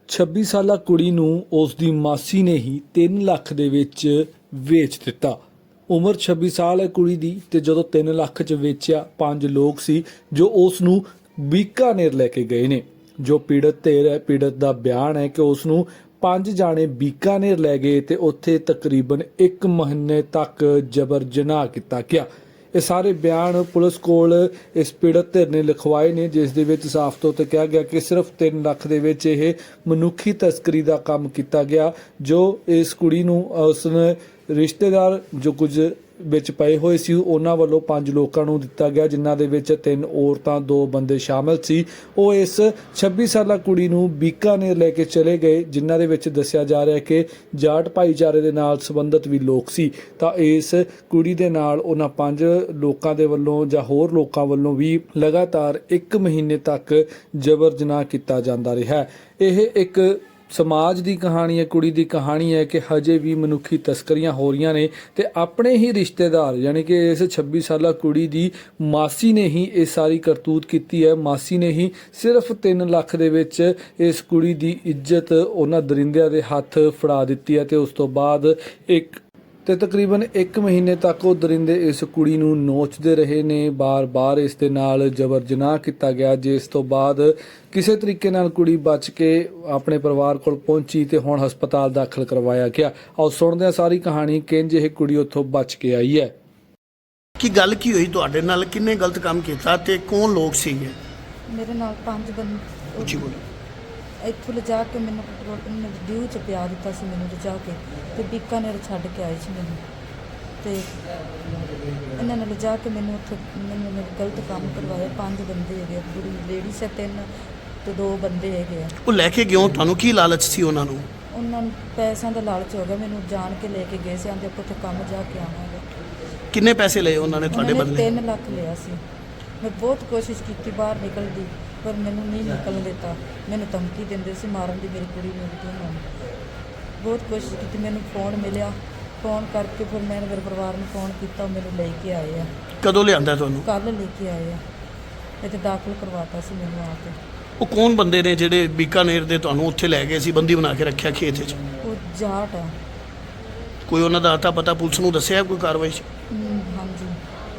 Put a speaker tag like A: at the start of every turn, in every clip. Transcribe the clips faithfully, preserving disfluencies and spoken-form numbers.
A: ਛੱਬੀ ਸਾਲਾ ਕੁੜੀ ਨੂੰ ਉਸ ਦੀ ਮਾਸੀ ਨੇ ਹੀ ਤਿੰਨ ਲੱਖ ਦੇ ਵਿੱਚ ਵੇਚ ਦਿੱਤਾ। ਉਮਰ ਛੱਬੀ ਸਾਲ ਹੈ ਕੁੜੀ ਦੀ ਤੇ ਜਦੋਂ ਤਿੰਨ ਲੱਖ ਚ ਵੇਚਿਆ, ਪੰਜ ਲੋਕ ਸੀ ਜੋ ਉਸ ਨੂੰ ਬੀਕਾਨੇਰ ਲੈ ਕੇ ਗਏ ਨੇ। ਜੋ ਪੀੜਤ ਧਿਰ ਹੈ, ਪੀੜਤ ਦਾ ਬਿਆਨ ਹੈ ਕਿ ਉਸ ਨੂੰ ਪੰਜ ਜਾਣੇ ਬੀਕਾਨੇਰ ਲੈ ਗਏ ਤੇ ਉੱਥੇ ਤਕਰੀਬਨ ਇੱਕ ਮਹੀਨੇ ਤੱਕ ਜਬਰ ਜਨਾਹ ਕੀਤਾ ਗਿਆ। ਇਹ ਸਾਰੇ ਬਿਆਨ ਪੁਲਿਸ ਕੋਲ ਇਸ ਪੀੜਤ ਧਿਰ ਨੇ ਲਿਖਵਾਏ ਨੇ, ਜਿਸ ਦੇ ਵਿੱਚ ਸਾਫ਼ ਤੌਰ ਤੇ ਕਿਹਾ ਗਿਆ ਕਿ ਸਿਰਫ ਤਿੰਨ ਲੱਖ ਦੇ ਵਿੱਚ ਇਹ ਮਨੁੱਖੀ ਤਸਕਰੀ ਦਾ ਕੰਮ ਕੀਤਾ ਗਿਆ। ਜੋ ਇਸ ਕੁੜੀ ਨੂੰ ਉਸਨੇ ਰਿਸ਼ਤੇਦਾਰ ਜੋ ਕੁਝ ਵਿੱਚ ਪਏ ਹੋਏ ਸੀ ਉਹਨਾਂ ਵੱਲੋਂ ਪੰਜ ਲੋਕਾਂ ਨੂੰ ਦਿੱਤਾ ਗਿਆ, ਜਿਨ੍ਹਾਂ ਦੇ ਵਿੱਚ ਤਿੰਨ ਔਰਤਾਂ ਦੋ ਬੰਦੇ ਸ਼ਾਮਲ ਸੀ। ਉਹ ਇਸ ਛੱਬੀ ਸਾਲਾ ਕੁੜੀ ਨੂੰ ਬੀਕਾਨੇਰ ਲੈ ਕੇ ਚਲੇ ਗਏ, ਜਿਨ੍ਹਾਂ ਦੇ ਵਿੱਚ ਦੱਸਿਆ ਜਾ ਰਿਹਾ ਕਿ ਜਾਟ ਭਾਈਚਾਰੇ ਦੇ ਨਾਲ ਸੰਬੰਧਿਤ ਵੀ ਲੋਕ ਸੀ। ਤਾਂ ਇਸ ਕੁੜੀ ਦੇ ਨਾਲ ਉਹਨਾਂ ਪੰਜ ਲੋਕਾਂ ਦੇ ਵੱਲੋਂ ਜਾਂ ਹੋਰ ਲੋਕਾਂ ਵੱਲੋਂ ਵੀ ਲਗਾਤਾਰ ਇੱਕ ਮਹੀਨੇ ਤੱਕ ਜਬਰ ਜਨਾਹ ਕੀਤਾ ਜਾਂਦਾ ਰਿਹਾ। ਇਹ ਇੱਕ ਸਮਾਜ ਦੀ ਕਹਾਣੀ ਹੈ, ਕੁੜੀ ਦੀ ਕਹਾਣੀ ਹੈ ਕਿ ਹਜੇ ਵੀ ਮਨੁੱਖੀ ਤਸਕਰੀਆਂ ਹੋ ਰਹੀਆਂ ਨੇ ਤੇ ਆਪਣੇ ਹੀ ਰਿਸ਼ਤੇਦਾਰ ਯਾਨੀ ਕਿ ਇਸ ਛੱਬੀ ਸਾਲਾ ਕੁੜੀ ਦੀ ਮਾਸੀ ਨੇ ਹੀ ਇਹ ਸਾਰੀ ਕਰਤੂਤ ਕੀਤੀ ਹੈ। ਮਾਸੀ ਨੇ ਹੀ ਸਿਰਫ ਤਿੰਨ ਲੱਖ ਦੇ ਵਿੱਚ ਇਸ ਕੁੜੀ ਦੀ ਇੱਜ਼ਤ ਉਹਨਾਂ ਦਰਿੰਦਿਆਂ ਦੇ ਹੱਥ ਫੜਾ ਦਿੱਤੀ ਹੈ ਤੇ ਉਸ ਤੋਂ ਬਾਅਦ ਇੱਕ ਤੇ ਤਕਰੀਬਨ ਇੱਕ ਮਹੀਨੇ ਤੱਕ ਉਹ ਦਰਿੰਦੇ ਇਸ ਕੁੜੀ ਨੂੰ ਨੋਚਦੇ ਰਹੇ ਨੇ, ਬਾਰ-ਬਾਰ ਇਸ ਦੇ ਨਾਲ ਜਬਰ ਜਨਾਹ ਕੀਤਾ ਗਿਆ, ਜਿਸ ਤੋਂ ਬਾਅਦ ਕਿਸੇ ਤਰੀਕੇ ਨਾਲ ਕੁੜੀ ਬਚ ਕੇ ਆਪਣੇ ਪਰਿਵਾਰ ਕੋਲ ਪਹੁੰਚੀ ਤੇ ਹੁਣ ਹਸਪਤਾਲ ਦਾਖਲ ਕਰਵਾਇਆ ਗਿਆ। ਆਓ ਸੁਣਦੇ ਹਾਂ ਸਾਰੀ ਕਹਾਣੀ ਕਿੰਜ ਇਹ ਕੁੜੀ ਉੱਥੋਂ ਬਚ ਕੇ ਆਈ ਹੈ।
B: ਕੀ ਗੱਲ ਕੀ ਹੋਈ ਤੁਹਾਡੇ ਨਾਲ? ਕਿੰਨੇ ਗਲਤ ਕੰਮ ਕੀਤਾ ਤੇ ਕੌਣ ਲੋਕ ਸੀਗੇ?
C: ਮੇਰੇ ਨਾਲ ਪੰਜ ਬੰਦੇ
B: ਉੱਚੀ ਬੋਲੋ।
C: ਇੱਥੋਂ ਲਿਜਾ ਕੇ ਮੈਨੂੰ ਪੈਟਰੋਲ ਡਿਊ ਚ ਪਿਆ ਦਿੱਤਾ ਸੀ, ਮੈਨੂੰ ਲਿਜਾ ਕੇ ਤੇ ਬੀਕਾਨੇਰ ਛੱਡ ਕੇ ਆਏ ਸੀ ਮੈਨੂੰ ਤੇ ਇਹਨਾਂ ਨੇ ਲਿਜਾ ਕੇ ਮੈਨੂੰ ਉੱਥੇ ਮੈਨੂੰ ਮੇਰੇ ਗਲਤ ਕੰਮ ਕਰਵਾਇਆ। ਪੰਜ ਬੰਦੇ ਹੈਗੇ, ਕੁੜੀ ਲੇਡੀਜ਼ ਹੈ ਤਿੰਨ ਤੇ ਦੋ ਬੰਦੇ ਹੈਗੇ ਆ।
B: ਉਹ ਲੈ ਕੇ ਕਿਉਂ? ਤੁਹਾਨੂੰ ਕੀ ਲਾਲਚ ਸੀ ਉਹਨਾਂ ਨੂੰ?
C: ਉਹਨਾਂ ਨੂੰ ਪੈਸਿਆਂ ਦਾ ਲਾਲਚ ਹੋ ਗਿਆ, ਮੈਨੂੰ ਜਾਣ ਕੇ ਲੈ ਕੇ ਗਏ ਸੀ, ਆਂਦੇ ਆਪਾਂ ਉੱਥੇ ਕੰਮ ਜਾ ਕੇ ਆਵਾਂਗੇ।
B: ਕਿੰਨੇ ਪੈਸੇ ਲਏ ਉਹਨਾਂ ਨੇ ਤੁਹਾਡੇ
C: ਉਹਨਾਂ ਨੇ
B: ਬਦਲੇ?
C: ਤਿੰਨ ਲੱਖ ਲਿਆ ਸੀ। ਮੈਂ ਬਹੁਤ ਕੋਸ਼ਿਸ਼ ਕੀਤੀ ਬਾਹਰ ਨਿਕਲਣ ਦੀ, ਪਰ ਮੈਨੂੰ ਨਹੀਂ ਨਿਕਲਣ ਦਿੱਤਾ। ਮੈਨੂੰ ਧਮਕੀ ਦਿੰਦੇ ਸੀ ਮਾਰਨ ਦੀ, ਮੇਰੀ ਕੁੜੀ ਨੂੰ ਵੀ ਉਹਨਾਂ ਨੇ ਬਹੁਤ ਕੋਸ਼ਿਸ਼ ਕੀਤੀ। ਮੈਨੂੰ ਫੋਨ ਮਿਲਿਆ, ਫੋਨ ਕਰਕੇ ਫਿਰ ਮੈਂ ਮੇਰੇ ਪਰਿਵਾਰ ਨੂੰ ਫੋਨ ਕੀਤਾ, ਉਹ ਮੈਨੂੰ ਲੈ ਕੇ ਆਏ ਆ।
B: ਕਦੋਂ ਲਿਆਂਦਾ ਤੁਹਾਨੂੰ?
C: ਕੱਲ੍ਹ ਲੈ ਕੇ ਆਏ ਆ, ਇੱਥੇ ਦਾਖਲ ਕਰਵਾਤਾ ਸੀ ਮੈਨੂੰ ਆ ਕੇ।
B: ਉਹ ਕੌਣ ਬੰਦੇ ਨੇ ਜਿਹੜੇ ਬੀਕਾਨੇਰ ਦੇ ਤੁਹਾਨੂੰ ਉੱਥੇ ਲੈ ਗਏ ਸੀ, ਬੰਦੀ ਬਣਾ ਕੇ ਰੱਖਿਆ ਖੇਤ 'ਚ?
C: ਉਹ ਜਾਟ ਆ।
B: ਕੋਈ ਉਹਨਾਂ ਦਾ ਅਤਾ ਪਤਾ ਪੁਲਿਸ ਨੂੰ ਦੱਸਿਆ ਕੋਈ ਕਾਰਵਾਈ 'ਚ?
C: ਹਮ, ਹਾਂਜੀ।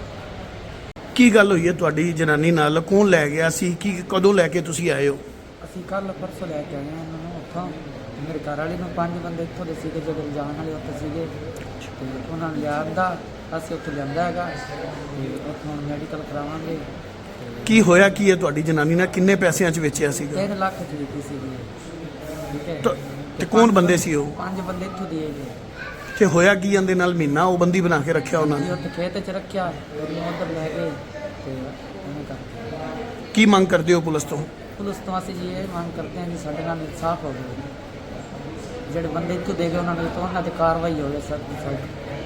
B: ਕੀ ਗੱਲ ਹੋਈ ਹੈ ਤੁਹਾਡੀ ਜਨਾਨੀ ਨਾਲ? ਕੌਣ ਲੈ ਗਿਆ ਸੀ? ਕੀ ਕਦੋਂ ਲੈ ਕੇ ਤੁਸੀਂ ਆਏ ਹੋ?
D: ਅਸੀਂ ਕੱਲ ਪਰਸੋਂ ਲੈ ਕੇ ਆਏ ਹਾਂ ਉਹਨਾਂ ਨੂੰ ਉੱਥੋਂ। ਮੇਰੇ ਘਰ ਵਾਲੀ ਨੂੰ ਪੰਜ ਬੰਦੇ ਇੱਥੋਂ ਦੇ ਸੀਗੇ ਜਿਹੜੇ ਜਾਣ ਵਾਲੇ ਉੱਥੇ ਸੀਗੇ ਤੇ ਉਹਨਾਂ ਨੂੰ ਲਿਆਂਦਾ, ਅਸੀਂ ਉੱਥੇ ਲਿਆਂਦਾ ਹੈਗਾ ਤੇ ਉੱਥੋਂ ਹੁਣ ਮੈਡੀਕਲ ਕਰਾਵਾਂਗੇ।
B: ਕੀ ਹੋਇਆ ਕੀ ਹੈ ਤੁਹਾਡੀ ਜਨਾਨੀ ਨਾਲ? ਕਿੰਨੇ ਪੈਸਿਆਂ 'ਚ ਵੇਚਿਆ ਸੀਗਾ?
D: ਤਿੰਨ ਲੱਖ ਦੀ ਦਿੱਤੀ ਸੀਗੀ, ਠੀਕ ਹੈ।
B: ਤਾਂ- ਤੇ ਕੌਣ ਬੰਦੇ ਸੀ ਉਹ?
D: ਪੰਜ ਬੰਦੇ ਇੱਥੋਂ ਦੇ ਗਏ।
B: ਤੇ ਹੋਇਆ ਕੀ ਇਹਦੇ ਨਾਲ? ਮਹੀਨਾ ਉਹ ਬੰਦੀ ਬਣਾ ਕੇ ਰੱਖਿਆ ਉਹਨਾਂ
D: ਅਸੀਂ
B: ਨੇ।
D: ਉੱਥੇ ਖੇਤ 'ਚ ਰੱਖਿਆ, ਉਹਨੂੰ ਉੱਧਰ ਲੈ ਗਏ ਤੇ ਉਹਨੇ ਕਰਕੇ।
B: ਕੀ ਮੰਗ ਕਰਦੇ ਹੋ ਪੁਲਿਸ ਤੋਂ?
D: ਪੁਲਿਸ ਤੋਂ ਅਸੀਂ ਜੀ ਇਹ ਮੰਗ ਕਰਦੇ ਹਾਂ ਜੀ ਸਾਡੇ ਨਾਲ ਇਨਸਾਫ ਹੋਵੇ। ਜਿਹੜੇ ਬੰਦੇ ਇੱਥੋਂ ਦੇ ਗਏ ਉਹਨਾਂ ਨੂੰ ਤਾਂ ਉਹਨਾਂ 'ਤੇ ਕਾਰਵਾਈ ਹੋਵੇ ਸਰ।